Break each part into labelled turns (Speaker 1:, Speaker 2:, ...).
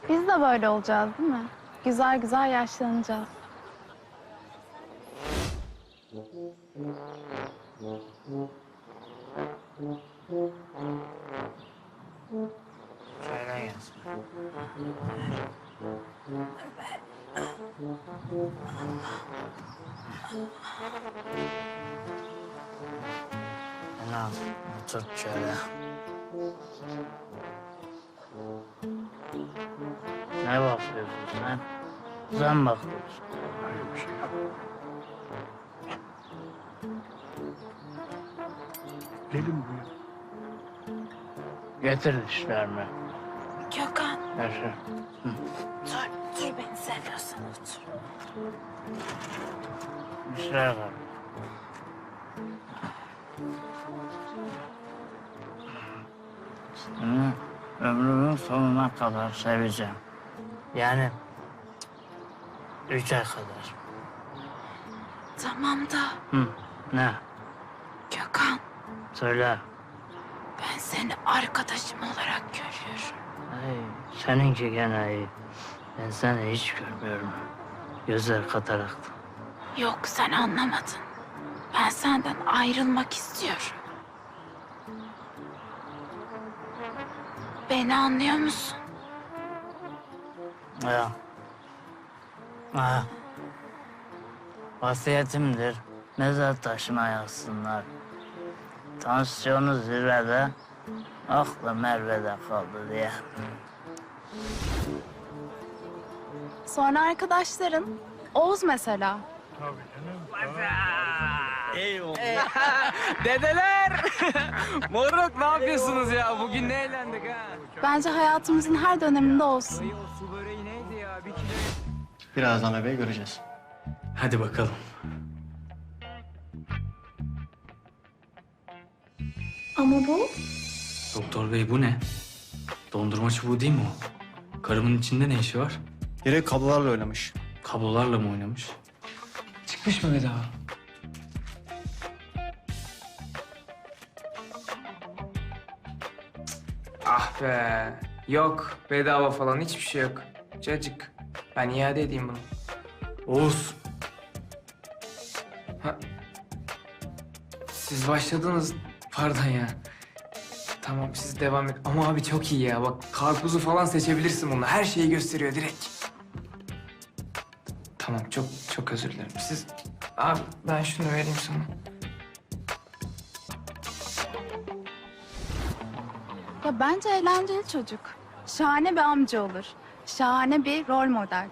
Speaker 1: Biz de böyle olacağız değil mi? Güzel güzel yaşlanacağız.
Speaker 2: Şöyle gelsin. Anam, otur şöyle. Ne bakıyorsun sen? Sen bakıyorsun.
Speaker 3: Öyle bir şey yok. Gelin buraya.
Speaker 2: Getir dişlerini.
Speaker 1: Gökhan,
Speaker 2: Yaşa.
Speaker 1: dur beni seviyorsan otur.
Speaker 2: Dişler kal. Seni ömrümün sonuna kadar seveceğim. Yani 3 ay kadar.
Speaker 1: Tamam da
Speaker 2: Hı, ne?
Speaker 1: Gökhan,
Speaker 2: Söyle.
Speaker 1: ben seni arkadaşım olarak görüyorum.
Speaker 2: Ay, seninki gene iyi. Ben seni hiç görmüyorum. Gözler kataraktı.
Speaker 1: Yok, sen anlamadın. Ben senden ayrılmak istiyorum. Beni anlıyor musun?
Speaker 2: Ya. Ha. Vasiyetimdir. Mezar taşıma yazsınlar. Tansiyonu zirvede, aklı Merve'de kaldı diye.
Speaker 1: Sonra arkadaşların, Oğuz mesela.
Speaker 4: Dedeler! Moruk ne yapıyorsunuz ya? Bugün ne eğlendik ha?
Speaker 1: Bence hayatımızın her döneminde olsun.
Speaker 4: Ay, o su böreği neydi ya? Bir kilo...
Speaker 5: Birazdan bebeği göreceğiz.
Speaker 6: Hadi bakalım.
Speaker 1: Ama bu?
Speaker 6: Doktor bey bu ne? Dondurma çubuğu değil mi o? Karımın içinde ne işi var?
Speaker 5: Biri kablolarla oynamış.
Speaker 6: Kablolarla mı oynamış?
Speaker 4: Çıkmış mı bedava? Ah be. Yok. Bedava falan hiçbir şey yok. Cacık. Ben iade edeyim bunu.
Speaker 6: Oğuz.
Speaker 4: Siz başladınız. Pardon ya. Tamam siz devam et. Ama abi çok iyi ya. Bak karpuzu falan seçebilirsin bununla. Her şeyi gösteriyor direkt. Tamam çok çok özür dilerim. Siz... Abi ben şunu vereyim sana.
Speaker 1: Ya bence eğlenceli çocuk. Şahane bir amca olur. Şahane bir rol model.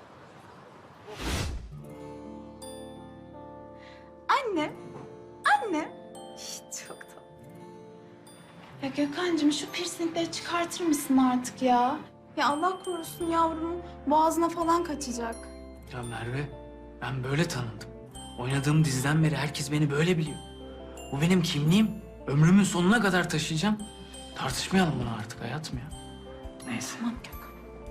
Speaker 1: Anne, anne. Çok tatlı. Ya Gökhan'cığım şu piercingleri çıkartır mısın artık ya? Ya Allah korusun yavrumun boğazına falan kaçacak.
Speaker 6: Ya Merve, ben böyle tanındım. Oynadığım diziden beri herkes beni böyle biliyor. Bu benim kimliğim. Ömrümün sonuna kadar taşıyacağım. Tartışmayalım bunu artık hayatım ya. Neyse.
Speaker 1: Tamam Gökhan.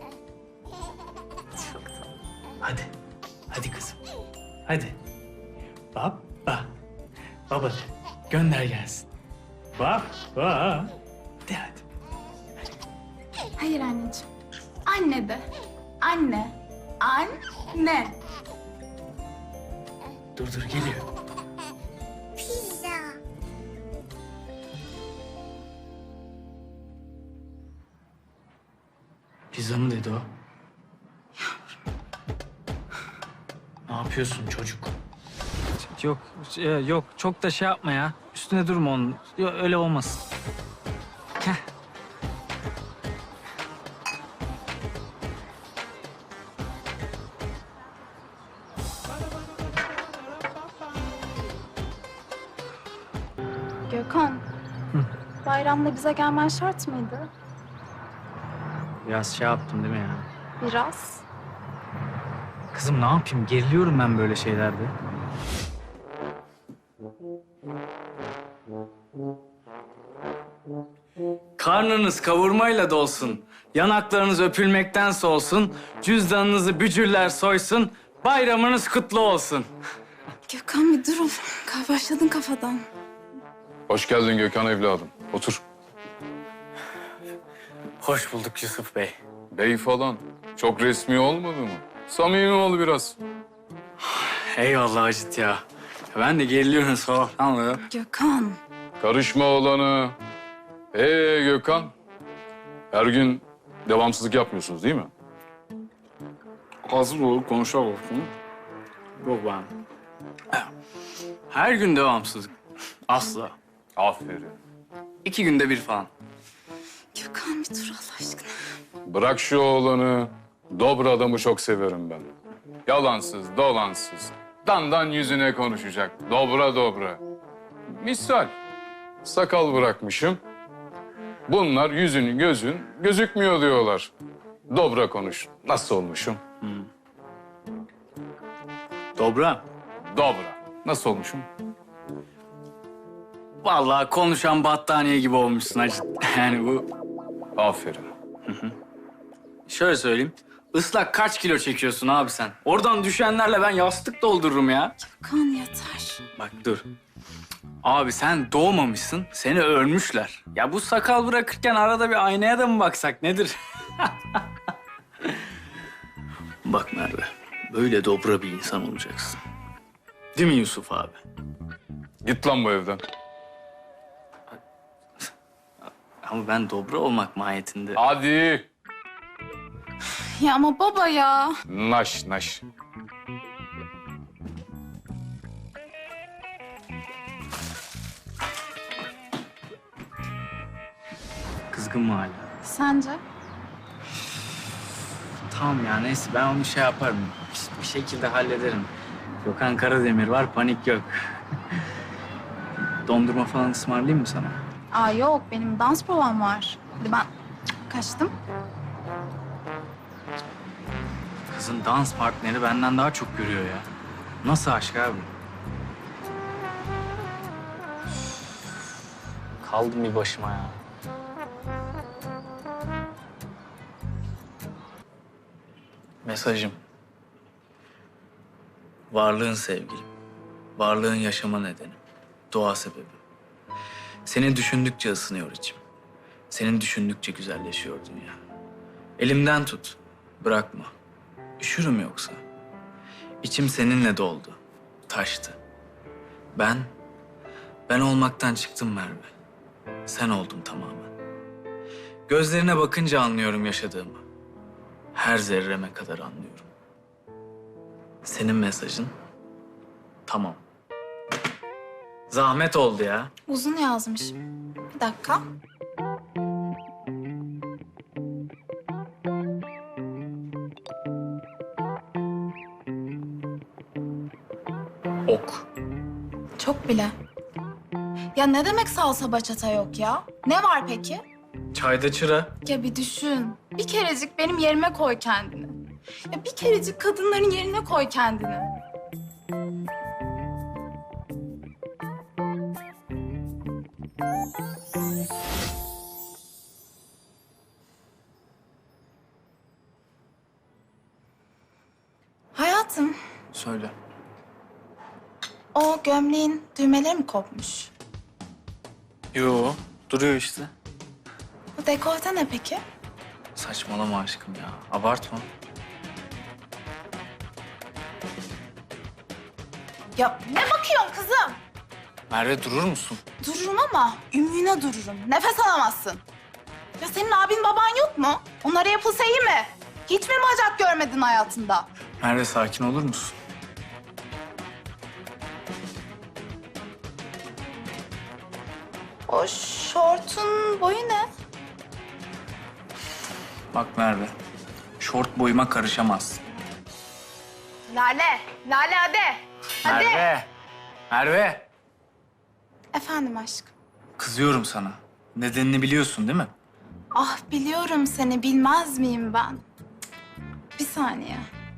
Speaker 1: Çok tatlı.
Speaker 6: Hadi. Hadi kızım. Hadi. Baba. Baba de. Gönder gelsin. Baba. De hadi.
Speaker 1: Hayır anneciğim. Anne de. Anne. Anne.
Speaker 6: Dur geliyor. Pizza mı dedi o? Ne yapıyorsun çocuk?
Speaker 4: Yok, yok. Çok da şey yapma ya. Üstüne durma onun. Yok, öyle olmaz. Heh.
Speaker 1: Gökhan. Bayramda bize gelmen şart mıydı?
Speaker 4: Biraz şey yaptım değil mi ya?
Speaker 1: Biraz.
Speaker 4: Kızım ne yapayım? Geriliyorum ben böyle şeylerde.
Speaker 6: Karnınız kavurmayla dolsun. Yanaklarınız öpülmekten solsun. Cüzdanınızı bücürler soysun. Bayramınız kutlu olsun.
Speaker 1: Gökhan bir durun. Başladın kafadan.
Speaker 3: Hoş geldin Gökhan evladım. Otur.
Speaker 6: Hoş bulduk Yusuf Bey.
Speaker 3: bey falan. Çok resmi olmadı mı? Samimi ol biraz.
Speaker 6: Eyvallah Acit ya. Ben de geriliyorum sabahtan.
Speaker 1: Gökhan.
Speaker 3: Karışma oğlanı. Gökhan. Her gün devamsızlık yapmıyorsunuz değil mi?
Speaker 6: Hazır ol, konuşalım. Yok ben. Her gün devamsızlık. Asla.
Speaker 3: Aferin.
Speaker 6: 2 günde bir falan.
Speaker 1: Gökhan bir dur Allah aşkına.
Speaker 3: Bırak şu oğlanı. Dobra adamı çok severim ben. Yalansız, dolansız. Dandan yüzüne konuşacak. Dobra dobra. Misal. Sakal bırakmışım. Bunlar yüzün gözün gözükmüyor diyorlar. Dobra konuş. Nasıl olmuşum?
Speaker 6: Dobra.
Speaker 3: Dobra. Nasıl olmuşum?
Speaker 6: Vallahi konuşan battaniye gibi olmuşsun Acit. Yani bu...
Speaker 3: Aferin.
Speaker 6: Şöyle söyleyeyim. Islak kaç kilo çekiyorsun abi sen? Oradan düşenlerle ben yastık doldururum ya.
Speaker 1: Gökhan yeter.
Speaker 6: Bak dur. Abi sen doğmamışsın, seni ölmüşler. Ya bu sakal bırakırken arada bir aynaya da mı baksak nedir? Bak Merve, böyle dobra bir insan olacaksın. Değil mi Yusuf abi?
Speaker 3: Git lan bu evden.
Speaker 6: Ama ben dobra olmak mahiyetinde...
Speaker 3: Hadi.
Speaker 1: Ya ama baba ya.
Speaker 3: Naş naş.
Speaker 6: Kızgın mı hala?
Speaker 1: Sence?
Speaker 6: Tamam ya neyse ben onu şey yaparım. Bir şekilde hallederim. Gökhan Karademir var, panik yok. Dondurma falan ısmarlayayım mı sana?
Speaker 1: Aa yok benim dans provam var. Hadi ben kaçtım.
Speaker 6: Kızın dans partneri benden daha çok görüyor ya. Nasıl aşk abi? Kaldım bir başıma ya. Mesajım. Varlığın sevgilim. Varlığın yaşama nedenim. Doğa sebebim. Seni düşündükçe ısınıyor içim. Senin düşündükçe güzelleşiyor dünya. Elimden tut. Bırakma. Üşürüm yoksa. İçim seninle doldu. Taştı. Ben olmaktan çıktım Merve. Sen oldun tamamen. Gözlerine bakınca anlıyorum yaşadığımı. Her zerreme kadar anlıyorum. Senin mesajın tamam. Zahmet oldu ya.
Speaker 1: Uzun yazmış. Bir dakika.
Speaker 6: Ok.
Speaker 1: Çok bile. Ya ne demek salsa bachata yok ya? Ne var peki?
Speaker 6: Çayda çıra.
Speaker 1: Ya bir düşün. Bir kerecik benim yerime koy kendini. Ya bir kerecik kadınların yerine koy kendini. Hayatım,
Speaker 6: Söyle.
Speaker 1: o gömleğin düğmeleri mi kopmuş?
Speaker 6: Yo, duruyor işte.
Speaker 1: Bu dekolte ne peki?
Speaker 6: Saçmalama aşkım ya. Abartma.
Speaker 1: Ya ne bakıyorsun kızım?
Speaker 6: Merve durur musun?
Speaker 1: Dururum ama ümüğüne dururum. Nefes alamazsın. Ya senin abin baban yok mu? Onlara yapılsa iyi mi? Hiç mi bacak görmedin hayatında?
Speaker 6: Merve sakin olur musun?
Speaker 1: O şortun boyu ne?
Speaker 6: Bak Merve, şort boyuma karışamazsın.
Speaker 1: Lale, Lale hadi. Hadi.
Speaker 6: Merve! Merve!
Speaker 1: Efendim aşkım.
Speaker 6: Kızıyorum sana. Nedenini biliyorsun değil mi?
Speaker 1: Ah biliyorum seni bilmez miyim ben? Bir saniye.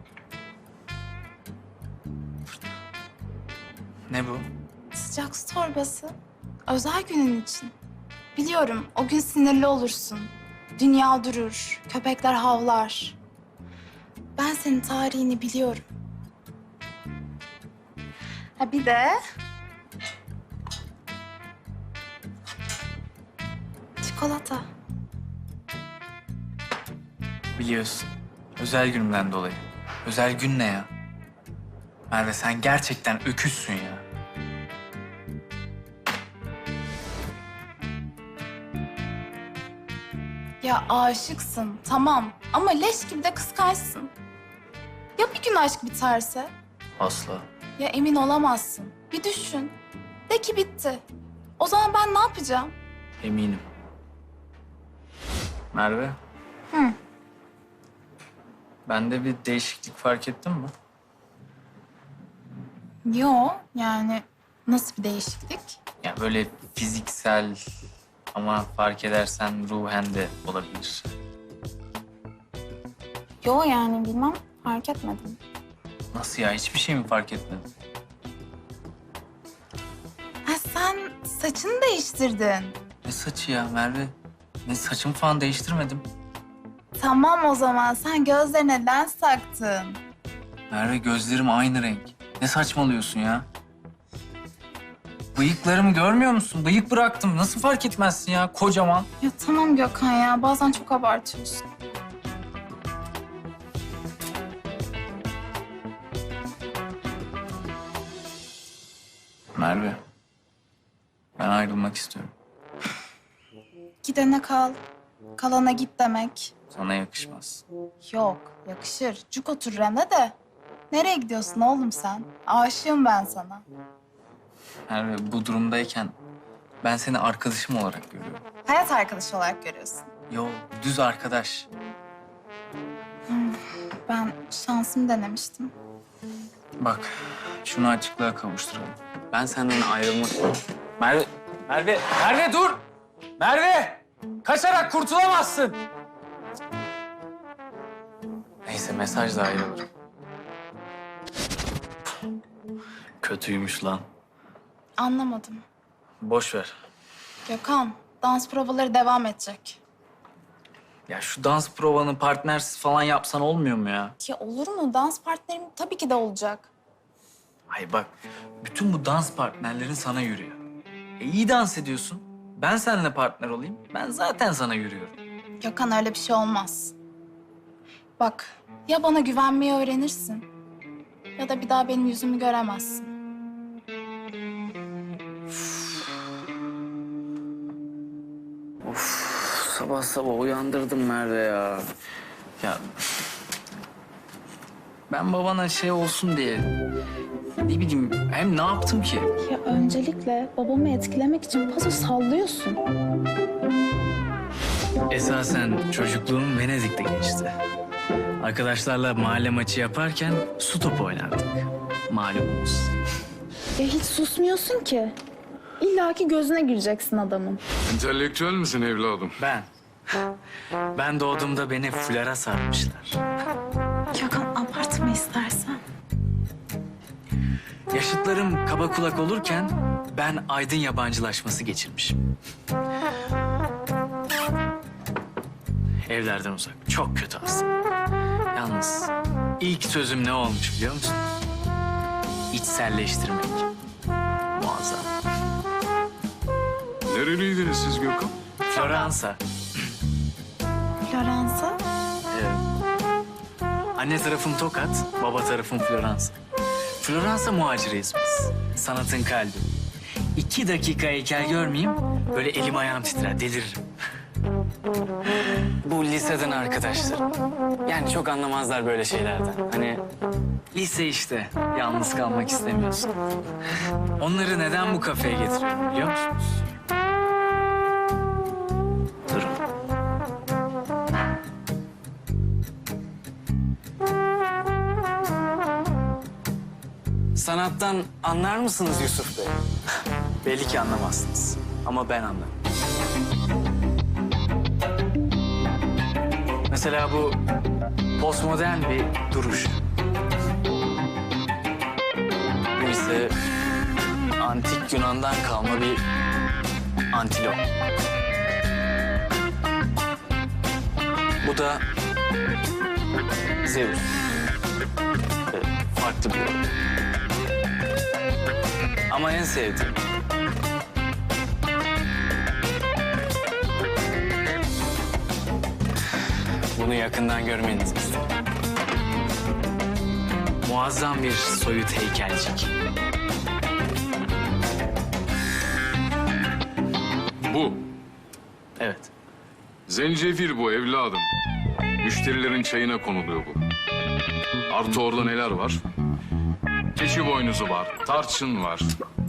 Speaker 6: Ne bu?
Speaker 1: Sıcak su torbası. Özel günün için. Biliyorum o gün sinirli olursun. Dünya durur, köpekler havlar. Ben senin tarihini biliyorum. Ha bir de... çikolata.
Speaker 6: Biliyorsun. Özel günümden dolayı. Özel gün ne ya? Merve sen gerçekten öküzsün ya.
Speaker 1: Ya aşıksın tamam ama leş gibi de kıskançsın. Ya bir gün aşk biterse?
Speaker 6: Asla.
Speaker 1: Ya emin olamazsın. Bir düşün. De ki bitti. O zaman ben ne yapacağım?
Speaker 6: Eminim. Merve.
Speaker 1: Hı.
Speaker 6: Bende bir değişiklik fark ettin mi?
Speaker 1: Yo yani nasıl bir değişiklik?
Speaker 6: Ya böyle fiziksel ama fark edersen ruhen de olabilir.
Speaker 1: Yo yani bilmem fark etmedim.
Speaker 6: Nasıl ya? Hiçbir şey mi fark etmedin?
Speaker 1: Ha sen saçını değiştirdin.
Speaker 6: Ne saçı ya Merve? Ne saçımı falan değiştirmedim.
Speaker 1: Tamam o zaman sen gözlerine lens taktın.
Speaker 6: Merve gözlerim aynı renk. Ne saçmalıyorsun ya? Bıyıklarımı görmüyor musun? Bıyık bıraktım. Nasıl fark etmezsin ya? Kocaman.
Speaker 1: Ya tamam Gökhan ya bazen çok abartıyorsun.
Speaker 6: Merve. Ben ayrılmak istiyorum.
Speaker 1: Gidene kal. Kalana git demek.
Speaker 6: Sana yakışmaz.
Speaker 1: Yok yakışır. Cuk otur Rene de. Nereye gidiyorsun oğlum sen? Aşığım ben sana.
Speaker 6: Merve bu durumdayken ben seni arkadaşım olarak görüyorum.
Speaker 1: Hayat arkadaşı olarak görüyorsun.
Speaker 6: Yo, düz arkadaş.
Speaker 1: Ben şansımı denemiştim.
Speaker 6: Bak, şunu açıklığa kavuşturalım. Ben senden ayrılmak... Merve, Merve dur! Merve! Kaçarak kurtulamazsın! Neyse, mesajla ayrılırım. Kötüymüş lan.
Speaker 1: Anlamadım.
Speaker 6: Boş ver.
Speaker 1: Gökhan, dans provaları devam edecek.
Speaker 6: Ya şu dans provanı partnersiz falan yapsan olmuyor mu ya?
Speaker 1: Ya olur mu? Dans partnerim tabii ki de olacak.
Speaker 6: Ay bak, bütün bu dans partnerlerin sana yürüyor. İyi dans ediyorsun. Ben seninle partner olayım. Ben zaten sana yürüyorum.
Speaker 1: Gökhan öyle bir şey olmaz. Bak, ya bana güvenmeyi öğrenirsin ya da bir daha benim yüzümü göremezsin.
Speaker 6: Sabah sabah uyandırdım Merve ya. Ya ben babana şey olsun diye ne bileyim hem ne yaptım ki?
Speaker 1: Ya öncelikle babamı etkilemek için paso sallıyorsun.
Speaker 6: Esasen çocukluğum Venedik'te geçti. Arkadaşlarla mahalle maçı yaparken su topu oynardık. Malumunuz.
Speaker 1: Ya hiç susmuyorsun ki. İlla ki gözüne gireceksin adamın.
Speaker 3: Entelektüel misin evladım?
Speaker 6: Ben doğduğumda beni fulara sarmışlar.
Speaker 1: Gökhan abartma istersen.
Speaker 6: Yaşıtlarım kaba kulak olurken ben aydın yabancılaşması geçirmişim. Evlerden uzak. Çok kötü aslında. Yalnız ilk sözüm ne olmuş biliyor musun? İçselleştirmek. Muazzam.
Speaker 3: Nereliydiniz siz Gökhan?
Speaker 6: Floransa.
Speaker 1: Floransa?
Speaker 6: Evet. Anne tarafım Tokat, baba tarafım Floransa. Floransa muhaciriyiz biz. Sanatın kalbi. 2 dakika heykel görmeyeyim, böyle elim ayağım titrer, deliririm. Bu liseden arkadaşlarım. Yani çok anlamazlar böyle şeylerden. Hani lise işte, yalnız kalmak istemiyorsun. Onları neden bu kafeye getiriyorum biliyor musunuz? Durun. Sanattan anlar mısınız Yusuf Bey? Belli ki anlamazsınız. Ama ben anlarım. Mesela bu postmodern bir duruş. Bu ise antik Yunan'dan kalma bir antilop. Bu da Zeus. Farklı bir yol. Ama en sevdiğim bu Bunu yakından görmenizi istedim. Muazzam bir soyut heykelcik.
Speaker 3: Bu.
Speaker 6: Evet.
Speaker 3: Zencefil bu evladım. Müşterilerin çayına konuluyor bu. Artı orada neler var? Keçi boynuzu var, tarçın var.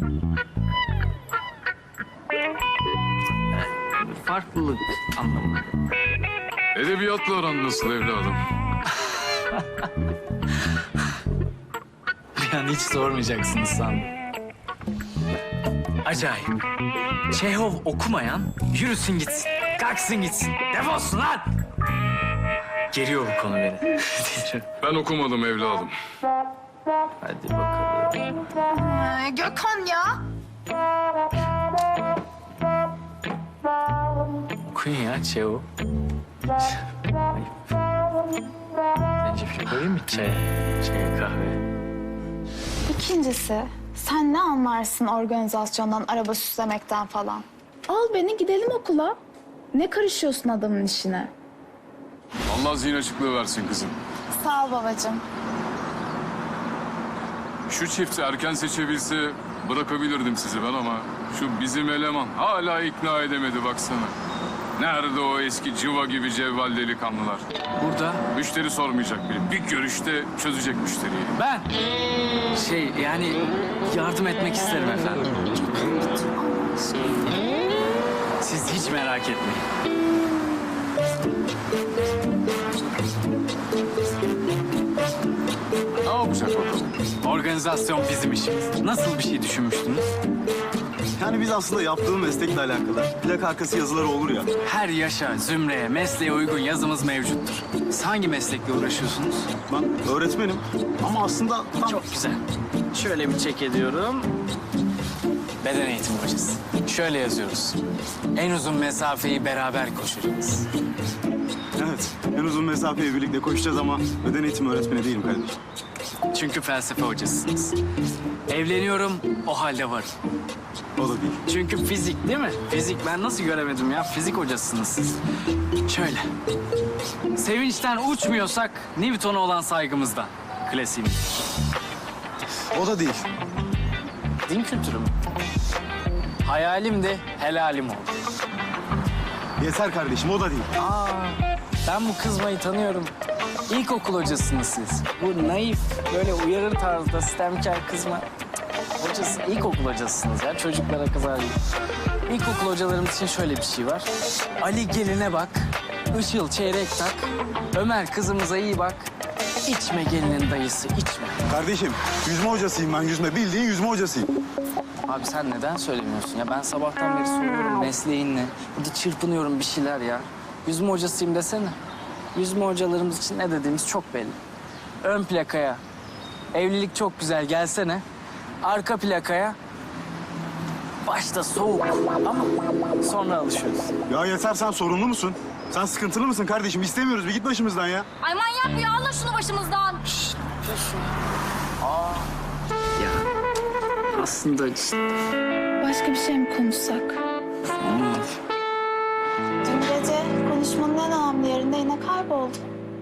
Speaker 6: Farklılık anlamında.
Speaker 3: Edebiyatla aran nasıl evladım?
Speaker 6: Yani hiç sormayacaksınız sandım. Acayip. Çehov okumayan yürüsün gitsin. Kalksın gitsin. Defolsun lan! Geriyor bu konu beni.
Speaker 3: Ben okumadım evladım.
Speaker 6: Hadi bakalım.
Speaker 1: Gökhan ya.
Speaker 6: Okuyun ya Çehov. Ayıp. Zencefil koyayım mı çaya? Çaya kahve.
Speaker 1: İkincisi, sen ne anlarsın organizasyondan, araba süslemekten falan? Al beni gidelim okula. Ne karışıyorsun adamın işine?
Speaker 3: Allah zihin açıklığı versin kızım.
Speaker 1: Sağ ol babacığım.
Speaker 3: Şu çifti erken seçebilse bırakabilirdim sizi ben ama şu bizim eleman hala ikna edemedi baksana. Nerede o eski cıva gibi cevval delikanlılar?
Speaker 6: Burada
Speaker 3: Müşteri sormayacak bile. Bir görüşte çözecek müşteriyi.
Speaker 6: ben yani yardım etmek isterim efendim. Siz hiç merak etmeyin.
Speaker 3: Ne yapacak bakalım?
Speaker 6: Organizasyon bizim işimiz. Nasıl bir şey düşünmüştünüz?
Speaker 7: Yani biz aslında yaptığım meslekle alakalı plak arkası yazıları olur ya.
Speaker 6: Her yaşa, zümreye, mesleğe uygun yazımız mevcuttur. Siz hangi meslekle uğraşıyorsunuz?
Speaker 7: Ben öğretmenim ama aslında tam...
Speaker 6: Çok güzel. Şöyle bir çek ediyorum. Beden eğitimi hocası. Şöyle yazıyoruz. En uzun mesafeyi beraber koşacağız.
Speaker 7: Evet, en uzun mesafeyi birlikte koşacağız ama beden eğitimi öğretmeni değilim kardeşim.
Speaker 6: Çünkü felsefe hocasısınız. Evleniyorum, o halde varım.
Speaker 7: O da değil.
Speaker 6: Çünkü fizik değil mi? Fizik ben nasıl göremedim ya? Fizik hocasısınız siz. Şöyle. Sevinçten uçmuyorsak Newton'a olan saygımızdan. Klasiğim.
Speaker 7: O da değil.
Speaker 6: Din kültürü mü? Hayalim de helalim oldu.
Speaker 7: Yeter kardeşim, o da değil.
Speaker 6: Ben bu kızmayı tanıyorum. İlkokul hocasınız siz. Bu naif, böyle uyarır tarzda sistemkar kızma hocası. İlkokul hocasısınız ya. Çocuklara kızar gibi. İlkokul hocalarımız için şöyle bir şey var. Ali geline bak, Işıl çeyrek tak, Ömer kızımıza iyi bak, içme gelinin dayısı içme.
Speaker 7: Kardeşim, yüzme hocasıyım ben, yüzme. Bildiğin yüzme hocasıyım.
Speaker 6: Abi sen neden söylemiyorsun ya? Ben sabahtan beri soruyorum mesleğin ne? Hadi çırpınıyorum bir şeyler ya. Yüzme hocasıyım desene. Yüzme hocalarımız için ne dediğimiz çok belli. Ön plakaya evlilik çok güzel gelsene. Arka plakaya başta soğuk ama sonra alışıyoruz.
Speaker 7: Ya yeter, sen sorunlu musun? Sen sıkıntılı mısın kardeşim? İstemiyoruz, bir git başımızdan ya.
Speaker 8: Ay manyak ya, alın şunu başımızdan.
Speaker 6: Aslında
Speaker 1: Başka bir şey mi konuşsak? Dün gece konuşmanın en önemli yerinde yine kayboldu.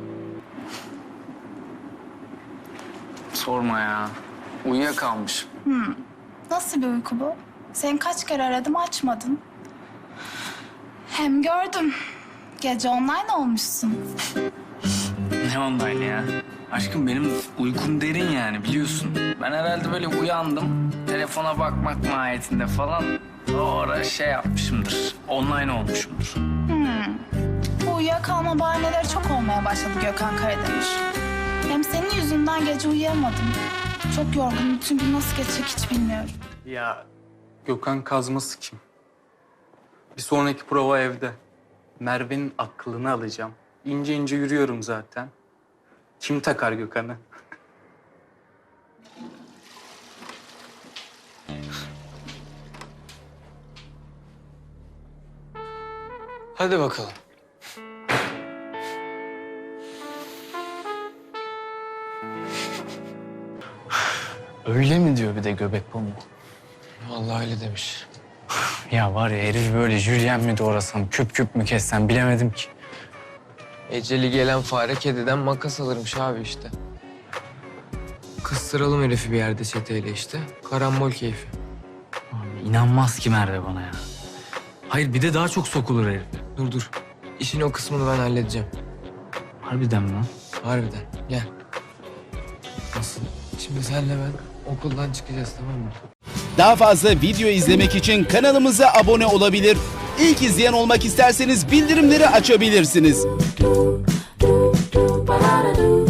Speaker 6: sorma ya. Uyuyakalmışım.
Speaker 1: Nasıl bir uyku bu? Seni kaç kere aradım açmadın. Hem gördüm. Gece online olmuşsun.
Speaker 6: Ne online ya? Aşkım benim uykum derin yani biliyorsun. Ben herhalde böyle uyandım. Telefona bakmak mahiyetinde falan. O ara şey yapmışımdır. Online olmuşumdur.
Speaker 1: Bu uyuyakalma bahaneleri çok olmaya başladı Gökhan Karademir. Hem senin yüzünden gece uyuyamadım. Çok yorgunum. Bütün gün nasıl geçecek hiç bilmiyorum.
Speaker 9: Ya Gökhan Kazması kim? Bir sonraki prova evde. Merve'nin aklını alacağım. İnce ince yürüyorum zaten. Kim takar Gökhan'ı?
Speaker 6: Hadi bakalım. Öyle mi diyor bir de göbek pamuğu?
Speaker 9: Vallahi öyle demiş.
Speaker 6: Ya var ya herif böyle jülyen mi doğrasam, küp küp mü kessem bilemedim ki.
Speaker 4: Eceli gelen fare kediden makas alırmış abi işte. Kıstıralım herifi bir yerde çeteyle işte. Karambol keyfi.
Speaker 6: Abi inanmaz ki Merve bana ya. Hayır bir de daha çok sokulur herif.
Speaker 4: Dur. İşin o kısmını ben halledeceğim.
Speaker 6: Harbiden mi lan?
Speaker 4: Harbiden. Gel. Nasıl? Şimdi senle ben okuldan çıkacağız, tamam mı?
Speaker 10: Daha fazla video izlemek için kanalımıza abone olabilir. İlk izleyen olmak isterseniz bildirimleri açabilirsiniz.